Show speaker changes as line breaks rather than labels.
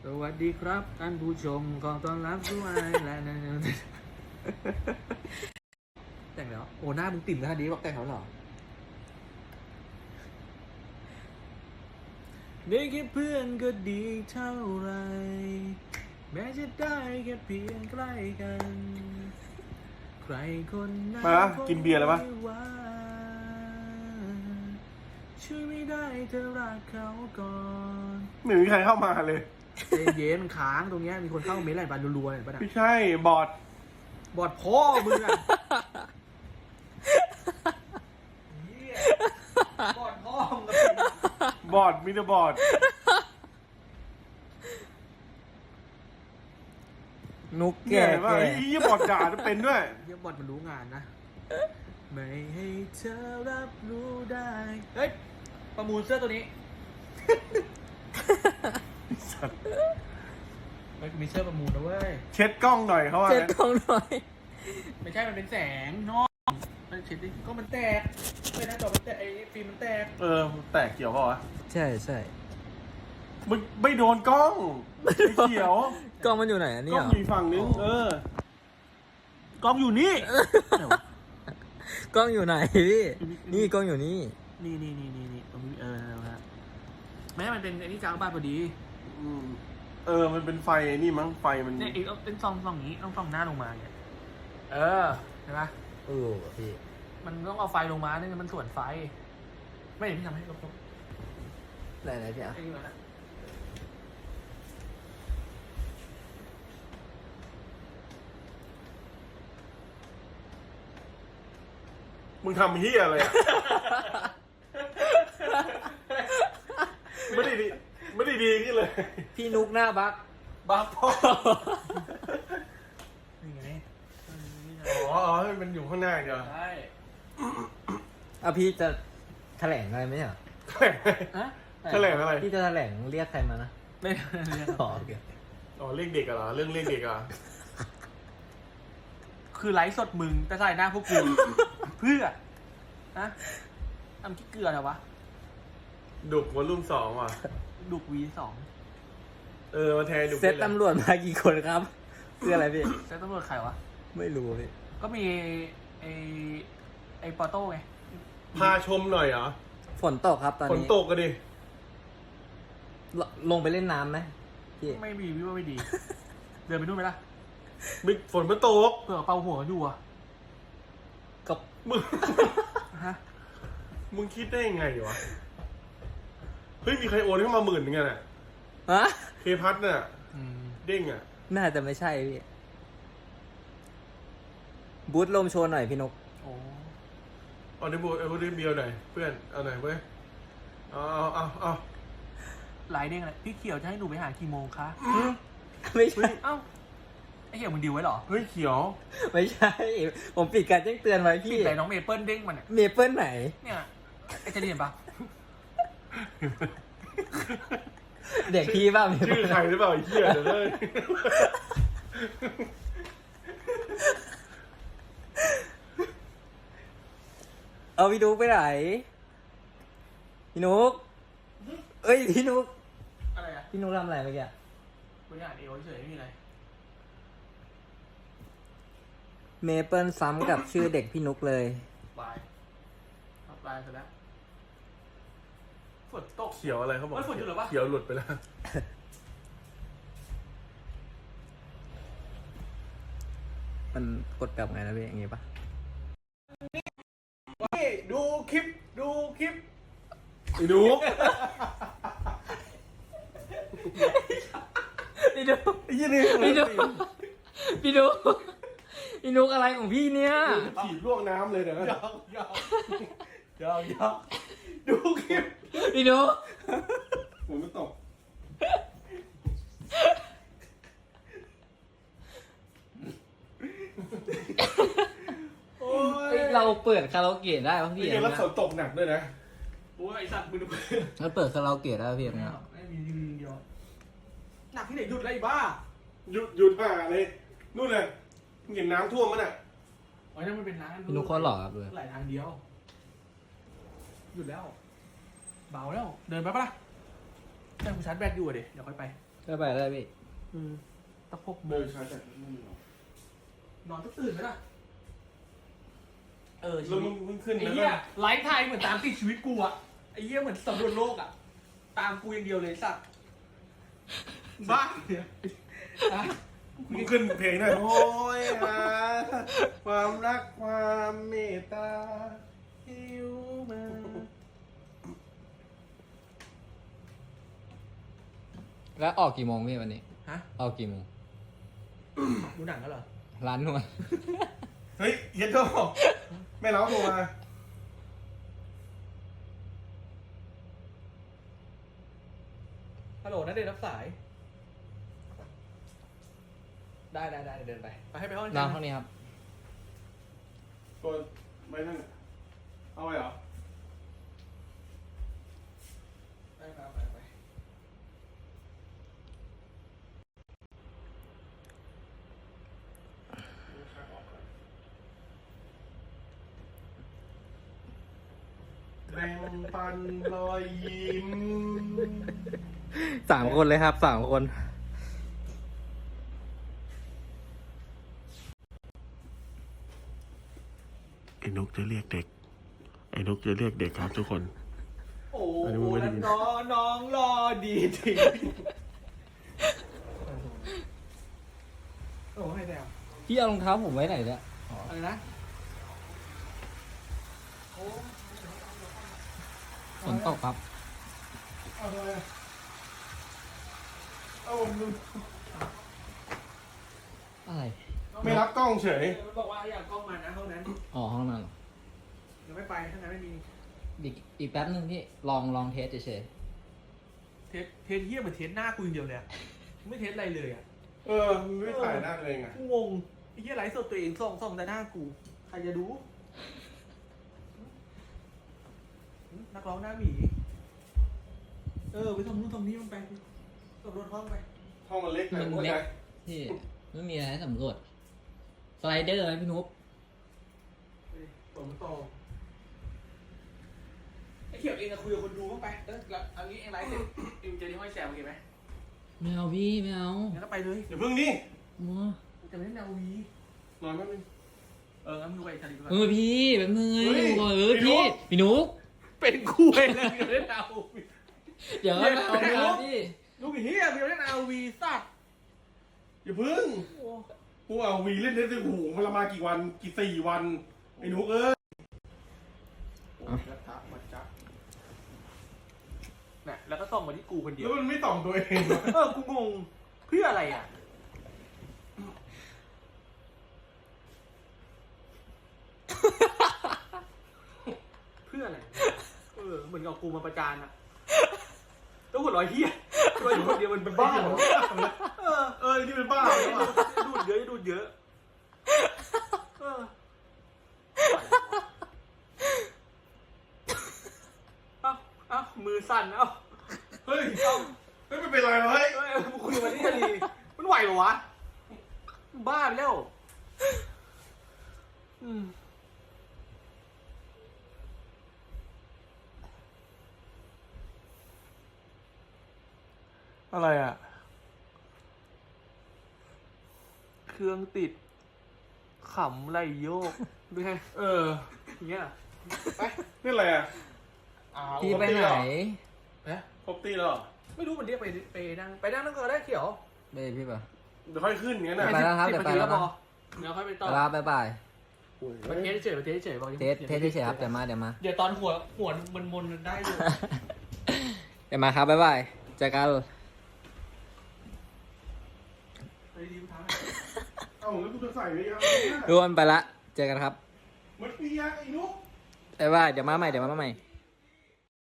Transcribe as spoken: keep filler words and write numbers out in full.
สวัสดีครับท่านผู้ชมขอต้อนรับสู่ไอแลนด์แต่งแล้วโอ้หน้ามึงติ่มขนาดนี้บอกแต่งแล้วเหรอได้แค่เพื่อนก็ดีเท่าไรแม้จะได้แค่เพียงใกล้กันใครคนนั้น
มากินเบียร์แล้วปะ
ช่วยไม่ได้เธอรักเขาก่อน
ไม่มีใครเข้ามาเลย
ใจเย็นมันค้างตรงเนี้ยมีคนเข้าเมสอะไรบ้างรัวๆเห็นปะนะ
ไม่ใช่บอด
บอดพ่อมึงอะเหี้ยบอดพ่อมึงอะ
บอดมิเตอร์บอด
นุก
เนี่
แก่
ยว่า
แก่
ไอ้ยี่บอดด่าจะเป็นด้วย
เหี้ยบอดมันรู้งานนะไม่ให้เธอรับรู้ได้เฮ้ยประมูลเสื้อตัวนี้มันมีเสื้อประมูลนะเว้ย
เช็ดกล้องหน่อยเขาว่า
เจ็ด
งั้น
กล่องหน่อย
ไม่ใช่มันเป็นแสงนอกมันเช็ดดิก็มันแตกไม่นะจอมันแตกไอ้ฟิล์มมันแตก
เออแตกเกี่ยวเปล่าวะ
ใช่ใช่
มึงไม่โดนกล้องไม่เกี่ยว
กล้องมันอยู่ไหนอัน
ก
นี้
ล้อง
เหรอ
อยู่ฝั่งนึงเออกล้องอยู่นี่
กล้องอยู่ไหนพี่นี่กล้องอยู่นี่
นี่นี่นี่นี่นี่ตรงนี้เออนะฮะแม้มันเป็นไอ้นี่กลางบ้านพอดี
อืมเออมันเป็นไฟไอ้นี่มั้งไฟมัน
เนี่ยอีกเป็นซองซองอย่างนี้ต้องซองหน้าลงมาเนี่ยเออเห็นไหม
เออพี่
มันต้องเอาไฟลงมาเนี่ยมันส่วนไฟ ไม่เห็นที่ทำให้ลบ
ไหนไหนพี่อ่ะ
ๆไอ้นี่ก่อนนะ
มึงทำเฮียอะไรอะไม่ได้ดีไม่ได้ดีนี่เลย
พี่นุกหน้าบัก
บ้าพ่อ
นี่ไงนี่ไง
อ๋ออ๋อให้มันอยู่ข้างหน้าเดียว
ใช่
อ่ะพี่จะแถลงอะไรไหมอ่ะ
ฮะ
แถลงอะไร
พี่จะแถลงเรียกใครมานะ
ไม่ไม่
อ๋อโอเค
อ๋อเรียกเด็กอะเหรอเรื่องเรียกเด็กอะ
คือไลฟ์สดมึงแต่ใส่หน้าพวกกู เพื่อนะทำขี้เกลือเหรอวะ
ดุกวอลลุ่มสองว่ะ
ดุกวีสอง
เออมาแทนดุก
เซตตำรวจมากี่คนครับคืออะไรพี่
แต่ตำรวจใครวะ
ไม่รู้พี่
ก็มีไอไอปอโต้ไง
พาชมหน่อยเหรอ
ฝนตกครับตอน
ฝน
นี้
ตกกันดิ
ลลงไปเล่นน้ำไหมพี่
ไม่มีพี่ว่าไม่ดี เดินไปนู่นไหมล่ะ
มิฝนมันตก
เผื่อเป่าหัวอยู่อะ
กับ
มึง
ฮะ
มึงคิดได้ยังไงวะ เฮ้ย มีใครโอนเข้ามาหมื่นนึงอะน่ะ
ฮะ
เคพัทน่ะ
อืม
เด้งอะ
น่าจะไม่ใช่พี่บูธลมโชว์หน่อยพี่นก
โอ้
เอาในบูเอาในเบียวหน่อยเพื่อน เอาหน่อยเว้ย เอาเอาเอาเอา
ไลน์เด้งอะไรพี่เขียวจะให้หนูไปหากี่โมงคะ
ไม่ใช่
เอ้าไอเขียวมึงดิวไว้เหรอ
เฮ้ยเขียว
ไม่ใช่ ผมปิดการแจ้งเตือนไว้
พี่
พี่
ไหนน้องเมเปิลเด้งมันอะ
เมเปิลไหน
เนี่ยไอจะเรียนปะ
เด็กพี่บ้างเมเปิ
ชื่อ
ล
ใครหรือเปล่าไอ้เหี้ยเดี๋ยวเลย
เอาพี่นุกไปไหนพี่นุกเอ้ยพี่นุก
อะไรอะ
พี่นุกทำอะไรเมื่อกี้
บริหารเอวเฉยๆไม่มีอะไร
เมเปิลซ้ำกับชื่อเด็กพี่นุกเลย
บายครับบายเสร็จแล้วฝนตก
เขียวอะไรเขาบอก
เฮ้ยฝนหยุดเหรอวะ
เขียวหลุดไปแล้ว
มันกดกลับไงนะพี่อย่างงี้ปะ
นี่ดูคลิป ดูคลิปไอ้ดู
พี่นุก
ไอ้ยี่นี่
พี่นุกพี่นุกพี่นุกอะไรของพี่เนี่ย
ถีบลวกน้ำเลยเดี๋ยวนะ
ยาวยาวยาวยาวดูคลิป
พี่นุก
ฝนมันตก โอ้ย
เราเปิดคาราโอเกะได้ป่ะพี่
ไอ้เหี้ยแล้วฝนตกหนักด้วยนะ
โอ้ยไอสัตว์มึงดู
เราเปิดคาราโอเกะได้ป่ะพี่เนี่ย
ไม่มียืนเดียวหนักที่ไหนหยุดเลยไอ้บ้า
หยุดหยุดห่าเลย นู่นเลยมึงเห็นน้ำท่วมมั้ยน่ะ
โอ้ยนั่นมันเป็นร้าน
พี่นุกเขาหล่อครับเลย
ไหลทางเดียว หยุดแล้ว เบาแล้ว เดินไปปะล่ะแต่กูชาร์จแบตอยู่อะเดี๋ยวเดี๋ยวค่อยไป
ก็ไปได้พี่
อืมตั้งหกโม
เดิ
ง
นช้าจัดไม่มีหรอก
นอนต้องตื่นไหมล่ะเออชี
แล้ว
วิ
มึ
ต
งมึงขึ้น
ไอ้
แล้ว
เหี้
ก็
ยไลฟ์ไทยเหมือนตามติดชีวิตกูอะไอ้เหี้ยเหมือนสำรวจโลกอะตามกูอย่างเดียวเลยสัตว์บ้าเนี่ยอ่ะ
มึงขึ้นเพลงหน่อยโอ้ยหาความรักความเมตตา
หิวมา
แล้วออกกี่โมงพี่วันนี้
ฮะ
ออกกี่โมง
ดูหนังกันเหรอ
ร้านนวด
เฮ้ยเย็นโตแม่เล้าโทรมา
ฮัลโหลนัดเดทรับสาย ได้ได้ได้เดินไปไปให้ไปห้อง
ร้านเท่านี้ครับ
ตัวไม่นั่นน่ะเอาไปเหรอ
ไปไปไปไป
แบ่งปันรอยยิ้ม
สามคนเลยครับสามคน
ไอ้นกจะเรียกเด็ก ไอ้นกจะเรียกเด็กครับทุกคน
โอ้
อันนี้
โห
มึงไม่ได้ยิน
น้องน้องรอดีจริงโอ้ให้แนว
พี่เอารองเท้าผมไว้ไหนเนี่ย
อะไรนะโอ้
ฝนตกครับ
เอาทำไมอะเอาผมดู
อะไร
ไม่รับกล้องเฉย
มันบอกว่าอยากกล้องมานะห้องนั้น
อ๋อห้องนั้นเหรอ
ยังไม่ไปถ้างั้นไม่มี
อีกอีกแป๊บนึงพี่ ลองลองเทสเฉย
เทสเทสเยี่ยเหมือนเทสหน้ากูอย่างเดียวเลยอะไม่เทสอะไรเลยอะ
เออมึงไม่ถ่ายหน้าตัวเองอ่ะ
กูงงไอ้เหี้ยไลฟ์สดตัวเองส่องส่องแต่หน้ากูใครจะดูนักร้องหน้าหมีเออไปทำนู่นทำนี่มันไปสำรวจห้องไป
ห้องมันเล็ก
ๆ
ไป
มัน
เข้า
เล็
ใจ
กพี่ไม่มีอะไรให้สำรวจ สไลเดอร์ไหมพี่นุ๊ก
ฝนมันตกไอ้เขียวเองอะคุยกับคนดูบ้างไปเออแล้วอันนี้เองไลฟ์เสร็จเองเจอที่ห้อยแซมโอเคไหม
ไม่เอาพี่ไม่เอา
งั้นก็ไปเลย
เดี๋ยวพึ่งนี่
มัว
จะไม่เล่นนาวี
นอนแป๊บนึง
เอองั้นมึงไปทะเลก่อน
เออพี่แบบนึงไง
เฮ้ย
บอกเออ
พี่นุ๊
พี่
ก
พี่นุ๊ก
เป็นคู่เลยนะเล่นนาวี
เดี๋ยวเอาเอาเอาพี่
ลูกเฮียเล่นนาวีสัตว์
อย่าพึ่ง
โอ้
กูเอาวีเล่นได้ถึงหูมันละมากี่วันกี่สี่วัน ไอ้หนูเอ้ย
กระทะมาจับน่ะแล้วก็ส่งมาที่กูคนเดีย
แล้ว วมันไม่ต่อมตัวเองวะ
เออ กูงง เพื่ออะไรอ่ะ เพื่ออะไร เออ เหมือนกับกูมาประจานอ่ะแล้วหัวเร้อยเฮียหัวเร้อยคนเดียวมันเป็นบ้าเหรอเออ
เออนี่เป็นบ้าเหรอวะ
ดูดเยอะดูดเยอะ เออเอ้าเอ้ามือสั่นเอ้า
เฮ้ยเฮ้ยไม่เป็นไรวะเฮ้ย
เอ้ยมึงคุยมาที่ทะเลมันไหวเหรอวะ บ้าไปแล้ว อืม อะไรอ่ะ เครื่องติด ขำไหลโยกดูไง
เออ
อย่างเงี้ย
ไปนี่อะไรอ่ะ
อ้าว
พี่ไปไหน
เอ๊ะ
ครบตีแล้วเหรอ
ไม่รู้มันเรียกไปไปนั่งไปนั่งนั่งก็ได้เขียว
ไปพี่ป่ะ
เดี๋ยวค่อยขึ้นอย่างนั้นน่ะ
ไปแล้วครับเดี๋ยวไปแล้วนะ
เดี๋ยวค่อยไปต่อ
ลาบายบาย
มาเทสเฉยมาเทสเฉยบอก
เทสเทสเฉยๆครับเดี๋ยวมาเดี๋ยวมา
เดี๋ยวตอนหัวหัวมันมนๆได้อยู่
เดี๋ยวมาครับบายบายเจอกัน
ไปดีๆท้า
เอาแล้วกูจะใส่ไว้ยัง
ทุกคนไปละ เจอกันครับ
มันเปียกไอ้นุ๊ก
บายบายเดี๋ยวมาใหม่เดี๋ยวมาใหม่